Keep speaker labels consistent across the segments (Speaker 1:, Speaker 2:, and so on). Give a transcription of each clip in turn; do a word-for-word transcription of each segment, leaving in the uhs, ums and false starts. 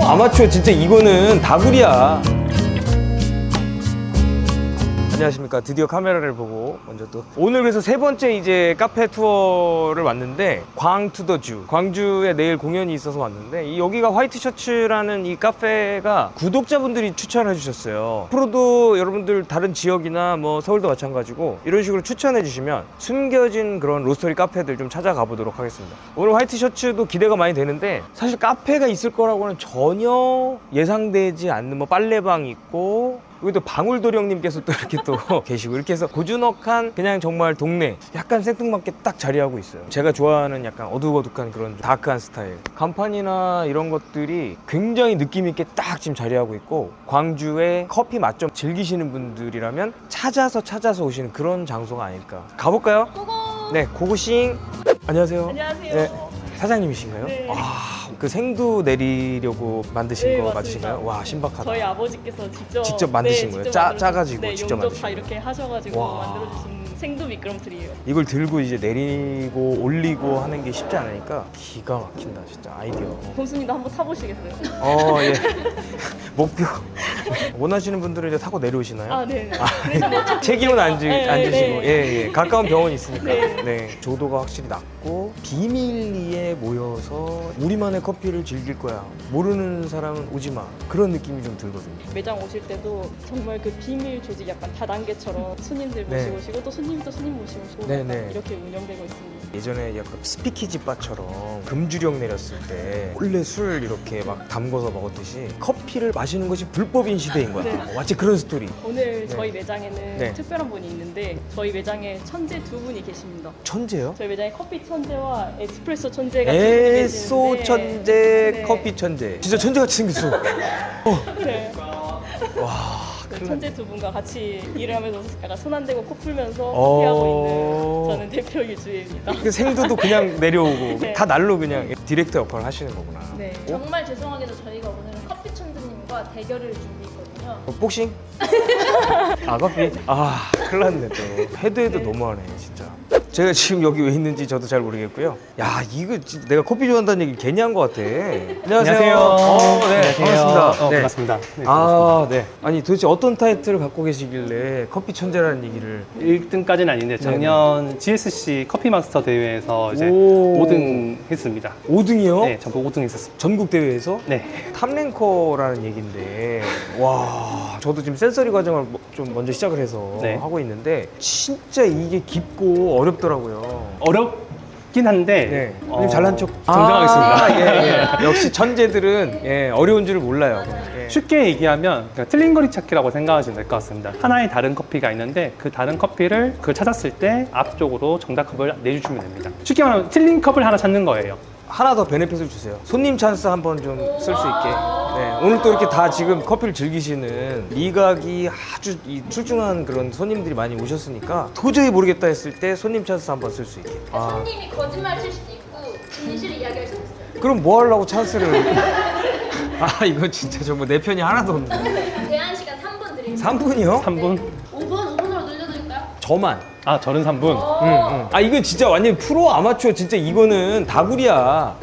Speaker 1: 아마추어 진짜 이거는 다구리야. 안녕하십니까. 드디어 카메라를 보고 먼저 또 오늘 그래서 세 번째 이제 카페 투어를 왔는데 광투더주 광주에 내일 공연이 있어서 왔는데 이 여기가 화이트 셔츠라는 이 카페가 구독자분들이 추천해 주셨어요. 앞으로도 여러분들 다른 지역이나 뭐 서울도 마찬가지고 이런 식으로 추천해 주시면 숨겨진 그런 로스터리 카페들 좀 찾아가 보도록 하겠습니다. 오늘 화이트 셔츠도 기대가 많이 되는데 사실 카페가 있을 거라고는 전혀 예상되지 않는 뭐 빨래방 있고 여기 또 방울도리 형님께서 또 이렇게 또 계시고 이렇게 해서 고즈넉한 그냥 정말 동네 약간 생뚱맞게 딱 자리하고 있어요. 제가 좋아하는 약간 어둑어둑한 그런 다크한 스타일 간판이나 이런 것들이 굉장히 느낌 있게 딱 지금 자리하고 있고 광주의 커피 맛 좀 즐기시는 분들이라면 찾아서 찾아서 오시는 그런 장소가 아닐까. 가볼까요?
Speaker 2: 고고!
Speaker 1: 네, 고고싱. 안녕하세요.
Speaker 2: 안녕하세요.
Speaker 1: 네, 사장님이신가요?
Speaker 2: 네.
Speaker 1: 아, 그 생두 내리려고 만드신
Speaker 2: 네,
Speaker 1: 거
Speaker 2: 맞습니다.
Speaker 1: 맞으신가요? 와, 신박하다.
Speaker 2: 저희 아버지께서 직접
Speaker 1: 직접 만드신
Speaker 2: 네,
Speaker 1: 거예요?
Speaker 2: 직접
Speaker 1: 짜-
Speaker 2: 만들어주신-
Speaker 1: 짜가지고
Speaker 2: 네,
Speaker 1: 직접
Speaker 2: 용접
Speaker 1: 만드신
Speaker 2: 다
Speaker 1: 거예요?
Speaker 2: 이렇게 하셔가지고
Speaker 1: 와.
Speaker 2: 만들어주신 생두 미끄럼틀이에요.
Speaker 1: 이걸 들고 이제 내리고 올리고 하는 게 쉽지 않으니까 기가 막힌다 진짜 아이디어.
Speaker 2: 곰수님도 한번 타보시겠어요?
Speaker 1: 어, 예. 목표. 원하시는 분들은 이제 타고 내려오시나요?
Speaker 2: 아, 네. 대신에 조금
Speaker 1: 책임은 안, 지,
Speaker 2: 네,
Speaker 1: 안
Speaker 2: 네,
Speaker 1: 지시고
Speaker 2: 네.
Speaker 1: 예, 예. 가까운 병원이 있으니까
Speaker 2: 네.
Speaker 1: 네. 조도가 확실히 낮고 비밀리에 모여서 우리만의 커피를 즐길 거야 모르는 사람은 오지 마 그런 느낌이 좀 들거든요.
Speaker 2: 매장 오실 때도 정말 그 비밀 조직 약간 다단계처럼 손님들
Speaker 1: 네.
Speaker 2: 모시고 오시고 또 손님 또 손님 모시고 오시고
Speaker 1: 네,
Speaker 2: 약간
Speaker 1: 네.
Speaker 2: 이렇게 운영되고 있습니다.
Speaker 1: 예전에 약간 스피키지 바처럼 금주령 내렸을 때 원래 술 이렇게 막 담궈서 먹었듯이 커피를 마시는 것이 불법인 시대인 거야.
Speaker 2: 네.
Speaker 1: 마치 그런 스토리.
Speaker 2: 오늘
Speaker 1: 네.
Speaker 2: 저희 매장에는
Speaker 1: 네.
Speaker 2: 특별한 분이 있는데 저희 매장에 천재 두 분이 계십니다.
Speaker 1: 천재요?
Speaker 2: 저희 매장에 커피 천재와 에스프레소 천재가 두 분이
Speaker 1: 에소
Speaker 2: 계시는데
Speaker 1: 천재,
Speaker 2: 네.
Speaker 1: 커피 천재. 진짜 천재같이 생겼어.
Speaker 2: 네.
Speaker 1: 와,
Speaker 2: 그
Speaker 1: 큰일
Speaker 2: 천재 두 분과 같이 일을 하면서 약간 손 안 대고 코 풀면서
Speaker 1: 어.
Speaker 2: 커피하고 있는 저는 대표 유주입니다.
Speaker 1: 그 생두도 그냥 내려오고
Speaker 2: 네.
Speaker 1: 다 날로 그냥 디렉터 역할을 하시는 거구나.
Speaker 2: 네.
Speaker 3: 정말 죄송하게도 저희가 오늘은 커피 천재님과 대결을 준비했거든요.
Speaker 1: 어, 복싱? 아, 커피? 아, 큰일 났네 또. 해도 해도 너무하네 진짜. 제가 지금 여기 왜 있는지 저도 잘 모르겠고요. 야, 이거 진짜 내가 커피 좋아한다는 얘기 괜히 한 것 같아. 안녕하세요. 어, 네, 반갑습니다.
Speaker 4: 어,
Speaker 1: 네.
Speaker 4: 반갑습니다. 네,
Speaker 1: 아, 네. 아니 도대체 어떤 타이틀을 갖고 계시길래 커피 천재라는 얘기를.
Speaker 4: 일 등까지는 아닌데 작년 지에스씨 커피 마스터 대회에서 이제
Speaker 1: 오.
Speaker 4: 오 등 했습니다.
Speaker 1: 오 등이요?
Speaker 4: 네, 전부 오 등 했었습니다.
Speaker 1: 전국 대회에서?
Speaker 4: 네.
Speaker 1: 탑랭커라는 얘기인데, 와, 저도 지금 센서리 과정을 뭐- 좀 먼저 시작을 해서
Speaker 4: 네.
Speaker 1: 하고 있는데 진짜 이게 깊고 어렵더라고요.
Speaker 4: 어렵긴 한데
Speaker 1: 네,
Speaker 4: 어,
Speaker 1: 님 잘난 척
Speaker 4: 정정하겠습니다.
Speaker 1: 아, 예, 예. 역시 천재들은 예, 어려운 줄 몰라요. 예.
Speaker 4: 쉽게 얘기하면 그냥 틀린 거리 찾기라고 생각하시면 될 것 같습니다. 하나의 다른 커피가 있는데 그 다른 커피를 그 찾았을 때 앞쪽으로 정답컵을 내주시면 됩니다. 쉽게 말하면 틀린 컵을 하나 찾는 거예요.
Speaker 1: 하나 더 베네핏을 주세요. 손님 찬스 한번 좀 쓸 수 있게. 네, 오늘 또 이렇게 다 지금 커피를 즐기시는 미각이 아주 이 출중한 그런 손님들이 많이 오셨으니까 도저히 모르겠다 했을 때 손님 찬스 한번 쓸 수 있게. 아,
Speaker 3: 손님이 거짓말 칠 수도 있고 진실을 이야기할 수도 있어요.
Speaker 1: 그럼 뭐 하려고 찬스를. 아, 이거 진짜 정말 내 편이 하나도 없네.
Speaker 3: 제한 시간 삼 분 드립니다.
Speaker 1: 삼 분이요?
Speaker 4: 삼 분?
Speaker 3: 오 분, 오 분으로 늘려드릴까요?
Speaker 1: 저만.
Speaker 4: 아, 저는 삼 분.
Speaker 1: 응, 응. 아, 이건 진짜 완전 프로 아마추어 진짜 이거는 다구리야.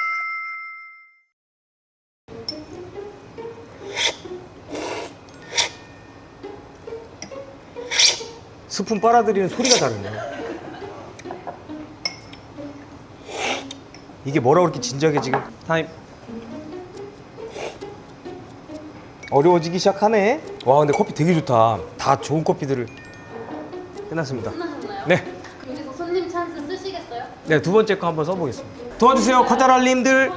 Speaker 1: 스푼 빨아들이는 소리가 다르네. 이게 뭐라고 이렇게 진지하게 지금
Speaker 4: 타임.
Speaker 1: 어려워지기 시작하네. 와, 근데 커피 되게 좋다. 다 좋은 커피들을. 끝났습니다.
Speaker 3: 끝나셨나요?
Speaker 1: 네.
Speaker 3: 여기서 손님 찬스 쓰시겠어요?
Speaker 1: 네, 두 번째 거 한번 써보겠습니다. 도와주세요, 커자랄님들.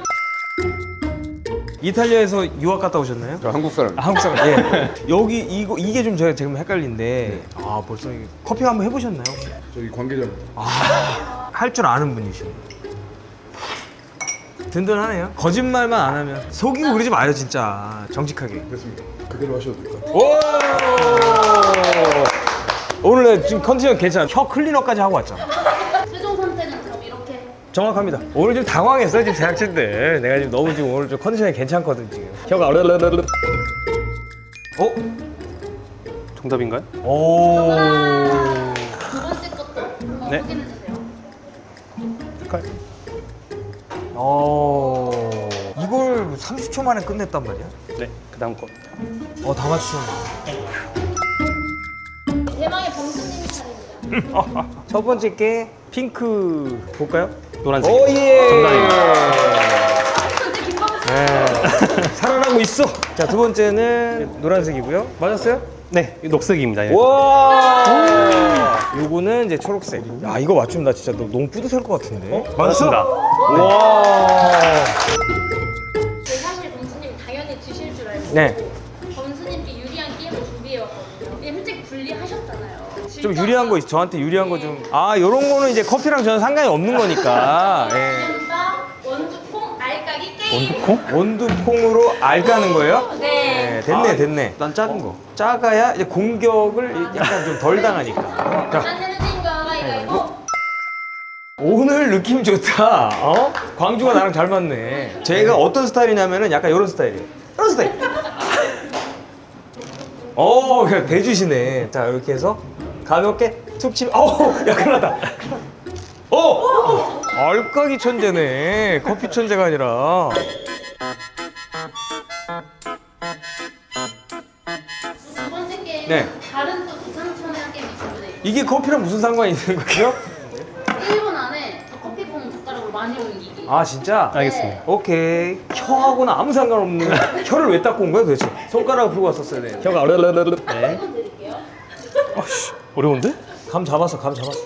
Speaker 1: 이탈리아에서 유학 갔다 오셨나요?
Speaker 5: 저 한국 사람.
Speaker 1: 아, 한국 사람. 예. 여기 이거 이게 좀 제가 지금 헷갈린데. 아, 벌써 이게 커피 한번 해보셨나요? 혹시?
Speaker 5: 저기 관계자입니다.
Speaker 1: 할 줄 아는 분이시네. 든든하네요. 거짓말만 안 하면 속이고 그러지 마요, 진짜. 정직하게.
Speaker 5: 됐습니다. 그대로 하셔도 될 것 같아요.
Speaker 1: 오! 오늘 지금 컨디션 괜찮아. 혀 클리너까지 하고 왔잖아.
Speaker 3: 최종 선택은 그럼 이렇게
Speaker 1: 정확합니다. 오늘 좀 당황했어요, 지금 제작진들. 내가 지금 너무 지금 오늘 좀 컨디션이 괜찮거든, 지금. 혀가 어르르르르. 어?
Speaker 4: 정답인가요?
Speaker 1: 오.
Speaker 3: 두 번째 것도 한번
Speaker 4: 네.
Speaker 3: 확인해주세요.
Speaker 4: 색깔.
Speaker 1: 어. 이걸 삼십 초 초 만에 끝냈단 말이야?
Speaker 4: 네, 그 다음 거.
Speaker 1: 어, 다 맞추셨네.
Speaker 3: 대망의 범수님 차례입니다.
Speaker 1: 첫 번째 게 핑크 볼까요?
Speaker 4: 노란색.
Speaker 1: 오, 예!
Speaker 4: 정답입니다.
Speaker 3: 현재 김범수
Speaker 1: 네. 살아나고 있어. 자, 두 번째는 노란색이고요. 맞았어요?
Speaker 4: 네, 이 녹색입니다. 예.
Speaker 1: 와! 요거는 이제 초록색. 야, 이거 맞추면 나 진짜 너- 너무 뿌듯할 것 같은데.
Speaker 4: 맞습니다.
Speaker 1: 와!
Speaker 3: 네, 사실 범수님 당연히 지실 줄 알고
Speaker 1: 네.
Speaker 3: 범수님께 유리한 게임을 준비해왔거든요. 근데 솔직히 불리하셨잖아요.
Speaker 1: 좀 유리한 거 있어. 저한테 유리한 거 좀. 아, 요런 거는 이제 커피랑 저는 상관이 없는 거니까. 예.
Speaker 3: 원두콩 알까기 게임.
Speaker 4: 원두콩?
Speaker 1: 원두콩으로 알 까는 거예요?
Speaker 3: 네.
Speaker 1: 네, 됐네, 됐네. 난 작은 거. 작아야 이제 공격을 약간 좀 덜 당하니까. 자,
Speaker 3: 안 되는 친구가 이거
Speaker 1: 오늘 느낌 좋다. 어? 광주가 나랑 잘 맞네. 제가 어떤 스타일이냐면은 약간 이런 스타일이에요. 이런 스타일. 어, 그냥 대주시네. 자, 이렇게 해서 가볍게 툭 치면, 어우, 야, 큰일 났다. 어! 알까기 천재네. 커피 천재가 아니라.
Speaker 3: 두 번째 게임
Speaker 1: 네.
Speaker 3: 다른 또 기상천외한 게임이 준비돼 있고
Speaker 1: 이게 커피랑 무슨 상관이 있는 거죠?
Speaker 3: 일 분 안에 커피봉 젓가락으로 많이 옮기기.
Speaker 1: 아, 진짜?
Speaker 4: 알겠습니다.
Speaker 1: 오케이. 혀하고는 아무 상관없는 혀를 왜 닦고 온 거야 도대체? 손가락을 풀고 왔었어야 돼. 혀가 어르르르르. 네.
Speaker 3: 일 분 드릴게요.
Speaker 4: 아씨, 어려운데?
Speaker 1: 감 잡았어, 감 잡았어.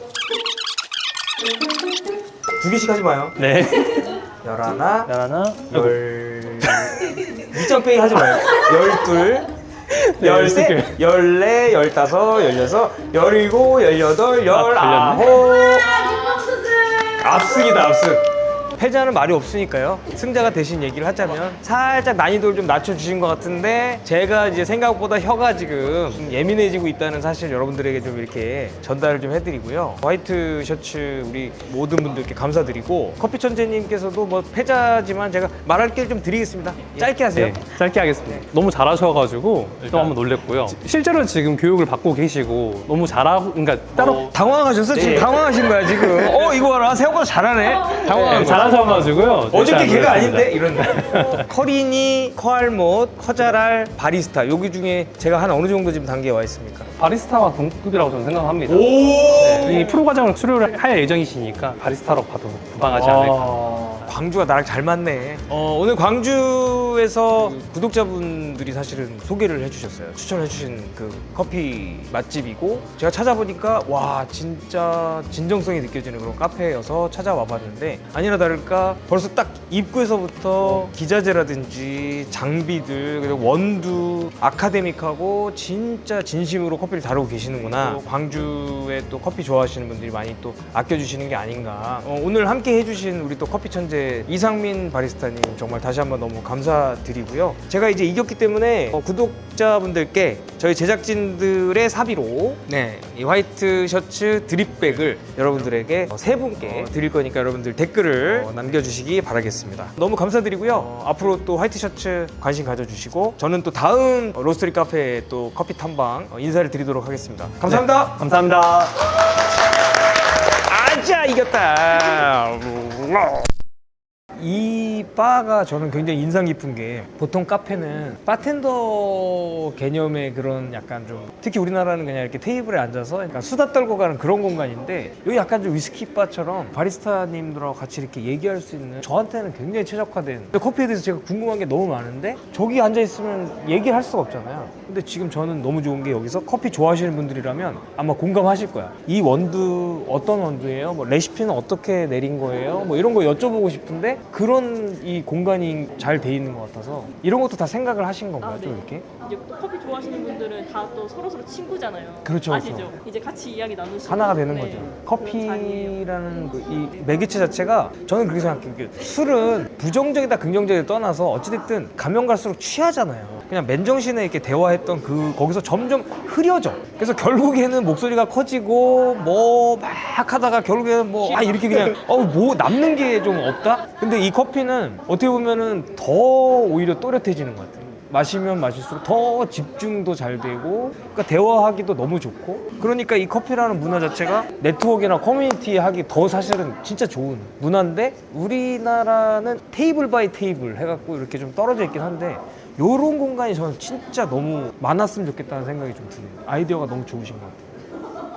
Speaker 1: 두 개씩 하지 마요.
Speaker 4: 네.
Speaker 1: 열하나,
Speaker 4: 하나,
Speaker 1: 열. 밑장빼기 하지 마요. 열둘,
Speaker 4: 네,
Speaker 1: 열셋,
Speaker 4: 열두 개.
Speaker 1: 열네, 열다섯, 열여섯, 열일곱, 열여덟, 열아홉.
Speaker 3: 김범수 씨.
Speaker 1: 압승이다, 압승. 패자는 말이 없으니까요. 승자가 대신 얘기를 하자면 살짝 난이도를 좀 낮춰주신 것 같은데 제가 이제 생각보다 혀가 지금 좀 예민해지고 있다는 사실 여러분들에게 좀 이렇게 전달을 좀 해드리고요. 화이트 셔츠 우리 모든 분들께 감사드리고 커피 천재님께서도 뭐 패자지만 제가 말할 기회를 좀 드리겠습니다. 짧게 하세요.
Speaker 4: 네, 짧게 하겠습니다. 너무 잘하셔가지고 또 한번 놀랬고요. 실제로 지금 교육을 받고 계시고 너무 잘하고, 그러니까 따로
Speaker 1: 당황하셨어? 지금 당황하신 거야 지금. 어 이거 봐라 생각보다 잘하네. 당황한 거야.
Speaker 4: 잘하셔가지고요.
Speaker 1: 어저께
Speaker 4: 절대
Speaker 1: 걔가
Speaker 4: 안
Speaker 1: 아닌데?
Speaker 4: 그랬습니다.
Speaker 1: 이런 커리니, 커알못, 커자랄, 바리스타 여기 중에 제가 한 어느 정도 지금 단계에 와 있습니까?
Speaker 4: 바리스타와 동급이라고 저는 생각합니다.
Speaker 1: 오!
Speaker 4: 네, 이 프로 과정을 수료를 할 예정이시니까 바리스타로 봐도 무방하지 않을까.
Speaker 1: 아, 광주가 나랑 잘 맞네. 어, 오늘 광주에서 구독자분들이 사실은 소개를 해주셨어요. 추천해주신 그 커피 맛집이고 제가 찾아보니까 와 진짜 진정성이 느껴지는 그런 카페여서 찾아와 봤는데 아니나 다를까 벌써 딱 입구에서부터 기자재라든지 장비들 그리고 원두 아카데믹하고 진짜 진심으로 커피를 다루고 계시는구나. 광주에 또 커피 좋아하시는 분들이 많이 또 아껴주시는 게 아닌가. 어, 오늘 함께 해주신 우리 또 커피 천재 이상민 바리스타님 정말 다시 한번 너무 감사드리고요. 제가 이제 이겼기 때문에 어, 구독자분들께 저희 제작진들의 사비로 네, 이 화이트 셔츠 드립백을 여러분들에게 어, 세 분께 드릴 거니까 여러분들 댓글을 어, 남겨주시기 바라겠습니다. 너무 감사드리고요. 어, 앞으로 또 화이트 셔츠 관심 가져주시고 저는 또 다음 로스터리 카페에 또 커피 탐방 어, 인사를 드리도록 하겠습니다. 감사합니다.
Speaker 4: 감사합니다.
Speaker 1: 아자 이겼다. 이 바가 저는 굉장히 인상 깊은 게 보통 카페는 바텐더 개념의 그런 약간 좀 특히 우리나라는 그냥 이렇게 테이블에 앉아서 약간 수다 떨고 가는 그런 공간인데 여기 약간 좀 위스키 바처럼 바리스타님들하고 같이 이렇게 얘기할 수 있는 저한테는 굉장히 최적화된 근데 커피에 대해서 제가 궁금한 게 너무 많은데 저기 앉아 있으면 얘기를 할 수가 없잖아요. 근데 지금 저는 너무 좋은 게 여기서 커피 좋아하시는 분들이라면 아마 공감하실 거야. 이 원두 어떤 원두예요? 뭐 레시피는 어떻게 내린 거예요? 뭐 이런 거 여쭤보고 싶은데 그런 이 공간이 잘 돼 있는 것 같아서 이런 것도 다 생각을 하신 건가요?
Speaker 2: 아,
Speaker 1: 좀
Speaker 2: 네.
Speaker 1: 이렇게?
Speaker 2: 이제 또 커피 좋아하시는 분들은 다 또 서로 서로 친구잖아요.
Speaker 1: 그렇죠,
Speaker 2: 아시죠?
Speaker 1: 그렇죠.
Speaker 2: 이제 같이 이야기 나누시고
Speaker 1: 하나가 되는
Speaker 2: 네,
Speaker 1: 거죠.
Speaker 2: 그런 자리예요.
Speaker 1: 커피라는 그 이 매개체 자체가 저는 그렇게 생각해요. 그 술은 부정적이다 긍정적이다 떠나서 어찌됐든 가면 갈수록 취하잖아요. 그냥 맨정신에 이렇게 대화했던 그 거기서 점점 흐려져. 그래서 결국에는 목소리가 커지고 뭐 막 하다가 결국에는 뭐 아 이렇게 그냥 어 뭐 남는 게 좀 없다. 근데 이 커피는 어떻게 보면은 더 오히려 또렷해지는 것 같아요. 마시면 마실수록 더 집중도 잘 되고 그러니까 대화하기도 너무 좋고 그러니까 이 커피라는 문화 자체가 네트워크나 커뮤니티 하기 더 사실은 진짜 좋은 문화인데 우리나라는 테이블 바이 테이블 해갖고 이렇게 좀 떨어져 있긴 한데 요런 공간이 저는 진짜 너무 많았으면 좋겠다는 생각이 좀 드네요. 아이디어가 너무 좋으신 것 같아요.